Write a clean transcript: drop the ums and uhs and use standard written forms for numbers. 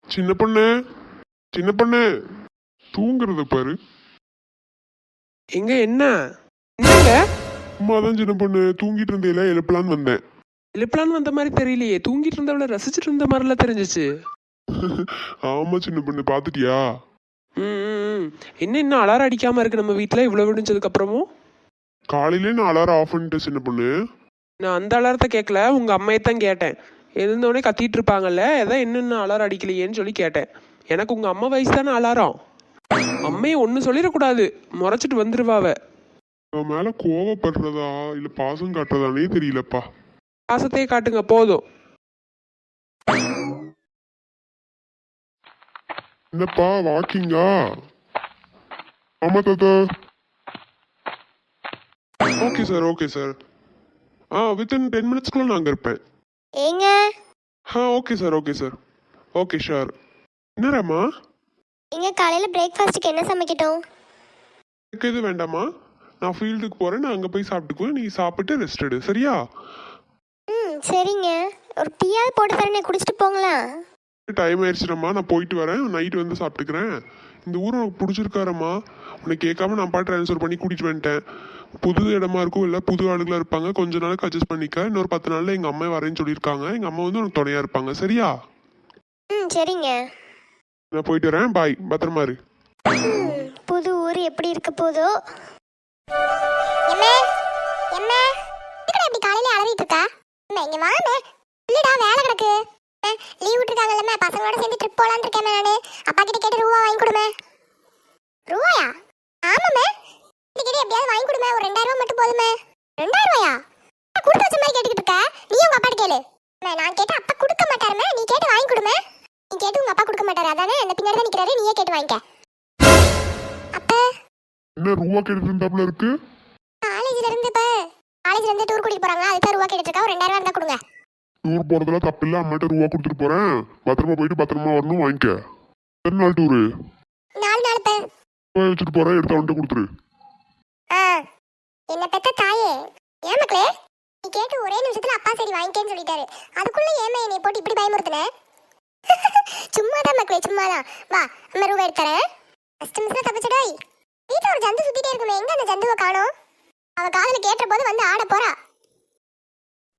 சின்ன பொண்ணு, சின்ன பொண்ணு, தூங்குறத பாரு. எங்க என்ன என்னங்க சும்மாதான் சின்ன பொண்ணு, தூங்கிட்டு இருந்தேல, எழுப்பலான்னு வந்தேன். எழுப்பலான்னு வந்த மாதிரி தெரியலையே, தூங்கிட்டு இருந்தவள ரசிச்சுட்டு இருந்த மாதிரிலாம் தெரிஞ்சிச்சு. ஆமா சின்ன பொண்ணு, பாத்துட்டியா? என்ன இன்னும் அலாரம் அடிக்காம இருக்கு நம்ம வீட்டுல இவ்வளவு விடிஞ்சதுக்கு அப்புறமும்? காலையிலே நான் அலாரம் ஆஃப் பண்ணிட்டேன் சின்ன பொண்ணு. நான் அந்த அலாரத்தை கேட்கல, உங்க அம்மையத்தான் கேட்டேன். எழுந்தோடனே கத்திட்டு இருப்பாங்கல்ல, எதாவது என்னென்ன அலாரம் அடிக்கலையேன்னு சொல்லி கேட்டேன். எனக்கு உங்க அம்மா வயசு தானே அலாரம். அம்மையை ஒன்றும் சொல்லிடக்கூடாது, முறைச்சிட்டு வந்துருவாவ. அவன் மேல கோவப்படுறதா இல்ல பாசம் காட்டுறதானே தெரியலப்பா. பாசத்தையே காட்டுங்க போதும். என்னப்பா வாக்கிங்கா? ஆமா தாத்தா. Okay sir, okay sir. Within 10 மினிட்ஸ்க்குள்ள நான் அங்கே இருப்பேன். ஏங்க okay sir, okay sir, okay sir. என்னராம்மா? எங்க காலையில பிரேக்ஃபாஸ்ட்டுக்கு என்ன சமைக்கட்டும்? எனக்கு எது வேண்டாமா, நான் ஃபீல்டுக்கு போகிறேன், நான் அங்கே போய் சாப்பிட்டுக்குவேன். நீ சாப்பிட்டு ரெஸ்ட் எடு, சரியா? சரிங்க, ஒரு டீயாவது போட்டு தரேன், குடிச்சிட்டு போங்களா? டைம் ஆயிடுச்சுரம்மா, நான் போயிட்டு வரேன். நைட்டு வந்து சாப்பிட்டுக்கிறேன். இந்த ஊர் உனக்கு பிடிச்சிருக்காரம்மா. உன்னை கேட்காம நான் ட்ரான்ஸ்ஃபர் பண்ணி கூட்டிகிட்டு வந்துட்டேன். புது இடமா இருக்கும், இல்லை புது ஆளுகளாக இருப்பாங்க. கொஞ்ச நாளுக்கு அட்ஜஸ்ட் பண்ணிக்க. இன்னொரு 10 நாளில் எங்கள் அம்மா வரேன்னு சொல்லியிருக்காங்க. எங்கள் அம்மா வந்து உனக்கு துணையாக இருப்பாங்க, சரியா? சரிங்க, நான் போயிட்டு வரேன். பாய், பத்திரமா இரு. புது ஊர் எப்படி இருக்க போதோ. காலையில அலறிட்டு இருக்கா? இங்க வாங்க, இல்லடா வேலை கிடக்கு. லீவ் விட்டுருக்காங்கல்ல, பசங்களோட சேர்ந்து ட்ரிப் போலான்னு இருக்கேன். நானு அப்பா கிட்ட கேட்டு ரூபா வாங்கி கொடுமே. ரூபாயா? ஆமாமே, கேட்டு எப்படியாவது வாங்கி கொடுமே. ஒரு 2000 ரூபா மட்டும் போதுமே. 2000 ரூபாயா? கொடுத்து வச்ச மாதிரி கேட்டுக்கிட்டு இருக்க. நீ உங்க அப்பா கேளு. நான் கேட்டு அப்பா கொடுக்க மாட்டாருமே, நீ கேட்டு வாங்கி கொடுமே. நீ கேட்டு உங்க அப்பா கொடுக்க மாட்டாரு, அதானே அந்த பின்னாடி தான் நிக்கிறாரு. நீயே கேட்டு வாங்கிக்க. அப்ப என்ன ரூபா கேட்டு இருந்தாப்ல இருக்கு? காலேஜ்ல இருந்து டூர் கூட்டிட்டு போறாங்க, அதுக்கு ரூபா கேட்டுட்டு இருக்கா. ஒரு 2000 ரூபா இருந்தா கொடுங்க. டூர் போறதுல தப்பு இல்ல. அம்மாட்ட ரூபா கொடுத்துட்டு போறேன். பத்திரமா போயிட்டு பத்திரமா வரணும், வாங்கிக்க. எத்தனை நாள் டூரு? 4 நாள் வச்சுட்டு போறேன், எடுத்து அவன்கிட்ட கொடுத்துரு. என்ன பெத்த தாயே, ஏன் மக்களே நீ கேட்டு ஒரே நிமிஷத்துல அப்பா சரி வாங்கிக்கேன்னு சொல்லிட்டாரு. அதுக்குள்ள ஏமா என்னை போட்டு இப்படி பயமுறுத்துன? சும்மாதான் மக்களே, சும்மாதான். வா, அம்மா ரூபா எடுத்துறேன். ஃபர்ஸ்ட் மிஸ்ல தப்பிச்சடாய். வீட்டுல ஒரு ஜந்து சுத்திட்டே இருக்குமே, எங்க அந்த ஜந்துவை காணோம்? அவ காதுல கேட்ட போது வந்து ஆட போறா.